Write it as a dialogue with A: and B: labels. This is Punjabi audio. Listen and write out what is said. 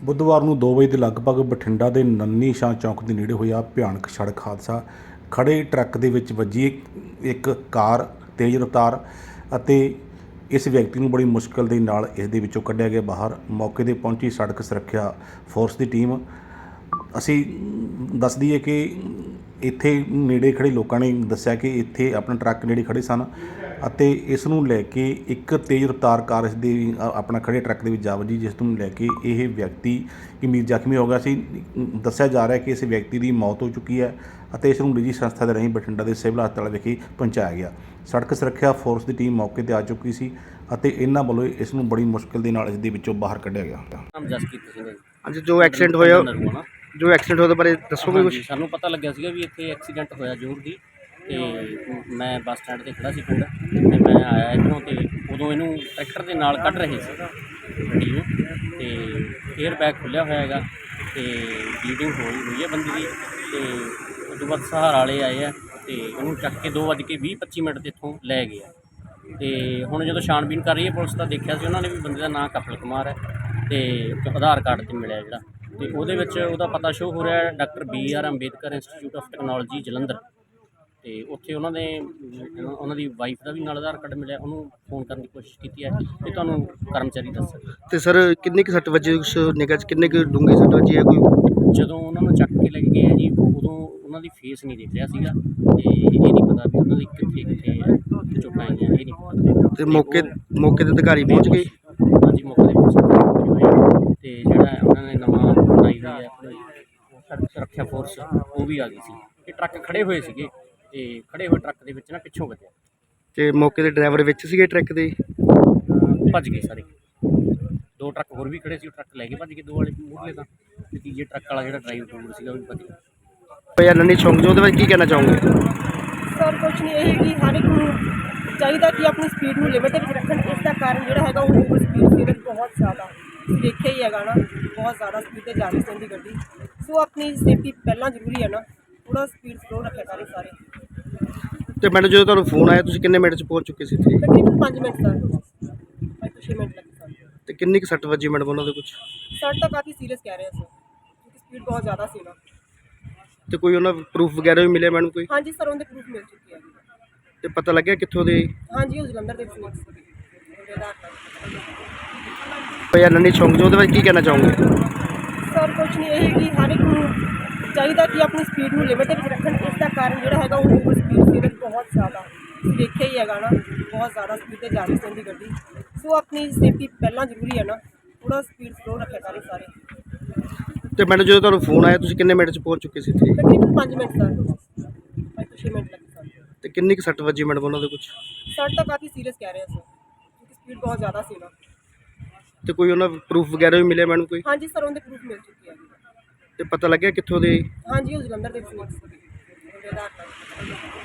A: ਬੁੱਧਵਾਰ ਨੂੰ 2 ਵਜੇ ਦੇ ਲਗਭਗ ਬਠਿੰਡਾ ਦੇ ਨੰਨੀ ਸ਼ਾਹ ਚੌਕ ਦੇ ਨੇੜੇ ਹੋਇਆ ਭਿਆਨਕ ਸੜਕ ਹਾਦਸਾ। ਖੜੇ ਟਰੱਕ ਦੇ ਵਿੱਚ ਵੱਜੀ ਇੱਕ ਕਾਰ ਤੇਜ਼ ਰਫ਼ਤਾਰ ਅਤੇ ਇਸ ਵਿਅਕਤੀ ਨੂੰ ਬੜੀ ਮੁਸ਼ਕਲ ਦੇ ਨਾਲ ਇਸ ਦੇ ਵਿੱਚੋਂ ਕੱਢਿਆ ਗਿਆ ਬਾਹਰ। ਮੌਕੇ 'ਤੇ ਪਹੁੰਚੀ ਸੜਕ ਸੁਰੱਖਿਆ ਫੋਰਸ ਦੀ ਟੀਮ। ਅਸੀਂ ਦੱਸ ਦਈਏ ਕਿ ਇੱਥੇ ਨੇੜੇ ਖੜੇ ਲੋਕਾਂ ਨੇ ਦੱਸਿਆ ਕਿ ਇੱਥੇ ਆਪਣਾ ਟਰੱਕ ਨੇੜੇ ਖੜੇ ਸਨ ਅਤੇ ਇਸ ਨੂੰ ਲੈ ਕੇ ਇੱਕ ਤੇਜ਼ ਰਫ਼ਤਾਰ ਕਾਰ ਇਸ ਦੇ ਆਪਣਾ ਖੜੇ ਟਰੱਕ ਦੇ ਵਿੱਚ ਜਾ ਵੱਜੀ, ਜਿਸ ਨੂੰ ਲੈ ਕੇ ਇਹ ਵਿਅਕਤੀ ਗੰਭੀਰ ਜ਼ਖਮੀ ਹੋ ਗਿਆ ਸੀ। ਦੱਸਿਆ ਜਾ ਰਿਹਾ ਕਿ ਇਸ ਵਿਅਕਤੀ ਦੀ ਮੌਤ ਹੋ ਚੁੱਕੀ ਹੈ ਅਤੇ ਇਸ ਨੂੰ ਨਿੱਜੀ ਸੰਸਥਾ ਦੇ ਰਾਹੀਂ ਬਠਿੰਡਾ ਦੇ ਸਿਵਲ ਹਸਪਤਾਲ ਵਿਖੇ ਪਹੁੰਚਾਇਆ ਗਿਆ। ਸੜਕ ਸੁਰੱਖਿਆ ਫੋਰਸ ਦੀ ਟੀਮ ਮੌਕੇ 'ਤੇ ਆ ਚੁੱਕੀ ਸੀ ਅਤੇ ਇਹਨਾਂ ਵੱਲੋਂ ਇਸ ਨੂੰ ਬੜੀ ਮੁਸ਼ਕਿਲ ਦੇ ਨਾਲ ਇਸ ਦੇ ਵਿੱਚੋਂ ਬਾਹਰ ਕੱਢਿਆ ਗਿਆ।
B: ਅੱਜ ਜੋ ਐਕਸੀਡੈਂਟ ਹੋਇਆ ਉਹਦੇ ਬਾਰੇ ਦੱਸੋਗੇ ਕੁਝ?
C: ਸਾਨੂੰ ਪਤਾ ਲੱਗਿਆ ਸੀਗਾ ਵੀ ਇੱਥੇ ਐਕਸੀਡੈਂਟ ਹੋਇਆ ਜ਼ਰੂਰ ਦੀ, ਤੇ ਮੈਂ ਬੱਸ ਸਟੈਂਡ 'ਤੇ ਖੜਾ ਸੀ ਪਿੰਡ, ਤੇ ਮੈਂ ਆਇਆ ਇੱਧਰੋਂ, ਤੇ ਉਦੋਂ ਇਹਨੂੰ ਟਰੈਕਟਰ ਦੇ ਨਾਲ ਕੱਢ ਰਹੇ ਸੀ ਗੱਡੀ ਨੂੰ, ਤੇ ਏਅਰ ਬੈਗ ਖੁੱਲ੍ਹਿਆ ਹੋਇਆ ਹੈਗਾ ਤੇ ਬਲੀਡਿੰਗ ਹੋਈ ਹੈ ਬੰਦੇ ਦੀ। ਤੇ ਉਸ ਤੋਂ ਬਾਅਦ ਸਹਾਰਾ ਵਾਲੇ ਆਏ ਆ ਤੇ ਉਹਨੂੰ ਚੱਕ ਕੇ 2:20-25 ਮਿੰਟ 'ਤੇ ਇੱਥੋਂ ਲੈ ਗਏ ਆ। ਤੇ ਹੁਣ ਜਦੋਂ ਛਾਣਬੀਨ ਕਰ ਰਹੀ ਹੈ ਪੁਲਿਸ, ਤਾਂ ਦੇਖਿਆ ਸੀ ਉਹਨਾਂ ਨੇ ਵੀ ਬੰਦੇ ਦਾ ਨਾਂ ਕਪਿਲ ਕੁਮਾਰ ਹੈ ਤੇ ਆਧਾਰ ਕਾਰਡ 'ਤੇ ਮਿਲਿਆ ਜਿਹੜਾ, ਤੇ ਉਹਦੇ ਵਿੱਚ ਉਹਦਾ ਪਤਾ ਸ਼ੋ ਹੋ ਰਿਹਾ doctor BR Ambedkar institute of technology Jalandhar. ਤੇ ਉੱਥੇ ਉਹਨਾਂ ਦੀ ਵਾਈਫ ਦਾ ਵੀ ਨਾਲ ਆਧਾਰ ਕਾਰਡ ਮਿਲਿਆ। ਉਹਨੂੰ ਫੋਨ ਕਰਨ ਦੀ ਕੋਸ਼ਿਸ਼ ਕੀਤੀ ਹੈ ਤੇ ਤੁਹਾਨੂੰ ਕਰਮਚਾਰੀ ਦੱਸ ਸਕਦੇ।
B: ਤੇ ਸਰ ਕਿੰਨੀ ਕੁ ਸੱਟ ਵੱਜੀ ਉਸ ਨਿਗਾਹ 'ਚ, ਕਿੰਨੇ ਕੁ ਡੂੰਘੀ ਸੱਟ ਵੱਜੀ ਹੈ? ਕੋਈ
C: ਜਦੋਂ ਉਹਨਾਂ ਨੂੰ ਚੱਕ ਕੇ ਲੈ ਕੇ ਗਏ ਆ ਜੀ, ਉਦੋਂ ਉਹਨਾਂ ਦੀ ਫੇਸ ਨਹੀਂ ਦਿਖ ਰਿਹਾ ਸੀਗਾ, ਤੇ ਇਹ ਨਹੀਂ ਪਤਾ ਵੀ ਉਹਨਾਂ ਦੀ ਕਿੱਥੇ ਚੋਟਾਂ ਆਈਆਂ, ਇਹ ਨਹੀਂ ਪਤਾ।
B: ਤੇ ਮੌਕੇ ਤੇ ਅਧਿਕਾਰੀ ਪਹੁੰਚ ਗਏ?
C: ਹਾਂਜੀ, ਮੌਕੇ 'ਤੇ ਪਹੁੰਚੇ ਹੋਏ, ਤੇ ਜਿਹੜਾ ਉਹਨਾਂ ਨੇ ਨਵਾਂ ਬਣਾਈ ਹੋਈ ਹੈ ਆਪਣੀ ਸੜਕ ਸੁਰੱਖਿਆ ਫੋਰਸ, ਉਹ ਵੀ ਆ ਗਈ ਸੀ। ਇਹ ਟਰੱਕ ਖੜੇ ਹੋਏ ਸੀਗੇ, ਤੇ ਖੜੇ ਹੋਏ ਟਰੱਕ ਦੇ ਵਿੱਚ ਨਾ ਪਿੱਛੋਂ ਵੱਜਿਆ,
B: ਤੇ ਮੌਕੇ ਤੇ ਡਰਾਈਵਰ ਵਿੱਚ ਸੀਗੇ ਟਰੱਕ ਦੇ?
C: ਭੱਜ ਗਏ ਸਾਰੇ। 2 ਟਰੱਕ ਹੋਰ ਵੀ ਖੜੇ ਸੀ, ਉਹ ਟਰੱਕ ਲੈ ਕੇ ਭੱਜ ਗਏ, 2 ਵਾਲੇ ਮੂਹਰਲੇ ਤਾਂ, ਤੇ ਤੀਜੇ ਟਰੱਕ ਵਾਲਾ ਜਿਹੜਾ ਡਰਾਈਵਰ ਸੀਗਾ ਉਹ ਵੀ ਭੱਜ ਗਿਆ।
B: ਯਾਰ ਨੰਨੀ ਚੌਂਕ 'ਚ ਉਹਦੇ ਬਾਰੇ ਕੀ ਕਹਿਣਾ ਚਾਹੋਗੇ?
D: ਸਰ ਕੁਛ ਨਹੀਂ, ਇਹ ਕਿ ਹਰ ਇੱਕ ਨੂੰ ਚਾਹੀਦਾ ਕਿ ਆਪਣੀ ਸਪੀਡ ਨੂੰ ਲਿਮਿਟ ਵਿੱਚ ਰੱਖਣ। ਇਸ ਦਾ ਕਾਰਨ ਜਿਹੜਾ ਹੈਗਾ ਉਹ ਓਵਰ ਸਪੀਡ ਸੀ ਬਹੁਤ ਜ਼ਿਆਦਾ, ਦੇਖਿਆ ਹੀ ਹੈਗਾ ਨਾ, ਬਹੁਤ ਜ਼ਿਆਦਾ ਸਪੀਡ 'ਤੇ ਜਾ ਰਹੀ ਸੀ ਉਹਦੀ ਗੱਡੀ। ਸੋ ਆਪਣੀ ਸੇਫਟੀ ਪਹਿਲਾਂ ਜ਼ਰੂਰੀ ਹੈ ਨਾ, ਥੋੜ੍ਹਾ ਸਪੀਡ ਸਲੋ ਰੱਖਿਆ ਕਰੇ ਸਾਰੇ।
B: ਤੇ ਮੈਡਮ ਜਦੋਂ ਤੁਹਾਨੂੰ ਫੋਨ ਆਇਆ ਤੁਸੀਂ ਕਿੰਨੇ ਮਿੰਟ 'ਚ ਪਹੁੰਚ ਚੁੱਕੇ ਸੀ ਇੱਥੇ?
D: ਤਕਰੀਬਨ 5 ਮਿੰਟ ਸਰ, 5 ਤੋਂ 6 ਮਿੰਟ ਲੱਗੇ ਸਰ।
B: ਤੇ ਕਿੰਨੀ ਕੁ ਸੱਟ ਵੱਜੀ ਮੈਡਮ ਉਹਨਾਂ ਦੇ ਕੁਝ?
D: ਸਰ ਤਾਂ ਕਾਫੀ ਸੀਰੀਅਸ ਕਹਿ ਰਹੇ ਸਰ, ਕਿਉਂਕਿ ਸਪੀਡ ਬਹੁਤ ਜ਼ਿਆਦਾ ਸੀ ਨਾ।
B: ਤੇ ਕੋਈ ਉਹਨਾਂ ਪ੍ਰੂਫ ਵਗੈਰਾ ਵੀ ਮਿਲਿਆ ਮੈਡਮ ਕੋਈ?
D: ਹਾਂਜੀ ਸਰ, ਉਹਦੇ ਪ੍ਰੂਫ ਮਿਲ ਚੁੱਕੇ ਆ।
B: ਤੇ ਪਤਾ ਲੱਗਿਆ ਕਿੱਥੋਂ ਦੇ?
D: ਹਾਂਜੀ, ਉਹ ਜਲੰਧਰ ਦੇ ਵਿੱਚ
B: ਯਾਰ ਨੰਨੀ ਚੌਂਕ 'ਚ ਉਹਦੇ ਬਾਰੇ ਕੀ ਕਹਿਣਾ ਚਾਹੋਗੇ?
D: ਸਰ ਕੁਛ ਨਹੀਂ, ਇਹ ਕਿ ਹਰ ਇੱਕ ਨੂੰ ਚਾਹੀਦਾ ਕਿ ਆਪਣੀ ਸਪੀਡ ਨੂੰ ਲਿਮਿਟ ਵਿੱਚ ਰੱਖਣ। ਇਸ ਦਾ ਕਾਰਨ ਜਿਹੜਾ ਹੈਗਾ ਉਹ ਓਵਰ ਸਪੀਡ ਸੀ ਬਹੁਤ ਜ਼ਿਆਦਾ, ਦੇਖਿਆ ਹੀ ਹੈਗਾ ਨਾ, ਬਹੁਤ ਜ਼ਿਆਦਾ ਸਪੀਡ 'ਤੇ ਜਾ ਰਹੀ ਸੀ ਉਹਦੀ ਗੱਡੀ। ਸੋ ਆਪਣੀ ਸੇਫਟੀ ਪਹਿਲਾਂ ਜ਼ਰੂਰੀ ਹੈ ਨਾ, ਥੋੜ੍ਹਾ ਸਪੀਡ ਸਲੋ ਰੱਖਿਆ ਕਰੇ ਸਾਰੇ।
B: ਤੇ ਮੈਡਮ ਜਦੋਂ ਤੁਹਾਨੂੰ ਫੋਨ ਆਇਆ ਤੁਸੀਂ ਕਿੰਨੇ ਮਿੰਟ 'ਚ ਪਹੁੰਚ ਚੁੱਕੇ ਸੀ ਇੱਥੇ?
D: ਤਕਰੀਬਨ 5 ਮਿੰਟ ਸਰ, 5 ਤੋਂ 6 ਮਿੰਟ ਲੱਗੇ ਸਰ।
B: ਤੇ ਕਿੰਨੀ ਕੁ ਸੱਟ ਵੱਜੀ ਮੈਡਮ ਉਹਨਾਂ ਦੇ ਕੁਝ?
D: ਸਰ ਤਾਂ ਕਾਫੀ ਸੀਰੀਅਸ ਕਹਿ ਰਹੇ ਸਰ, ਕਿਉਂਕਿ ਸਪੀਡ ਬਹੁਤ ਜ਼ਿਆਦਾ ਸੀ ਨਾ।
B: ਤੇ ਕੋਈ ਉਹਨਾਂ ਪ੍ਰੂਫ ਵਗੈਰਾ ਵੀ ਮਿਲਿਆ ਮੈਡਮ ਕੋਈ?
D: ਹਾਂਜੀ ਸਰ, ਉਹਦੇ ਪ੍ਰੂਫ ਮਿਲ ਚੁੱਕੇ ਆ।
B: ਤੇ ਪਤਾ ਲੱਗਿਆ ਕਿੱਥੋਂ ਦੇ?
D: ਹਾਂਜੀ, ਉਹ ਜਲੰਧਰ ਦੇ ਵਿੱਚ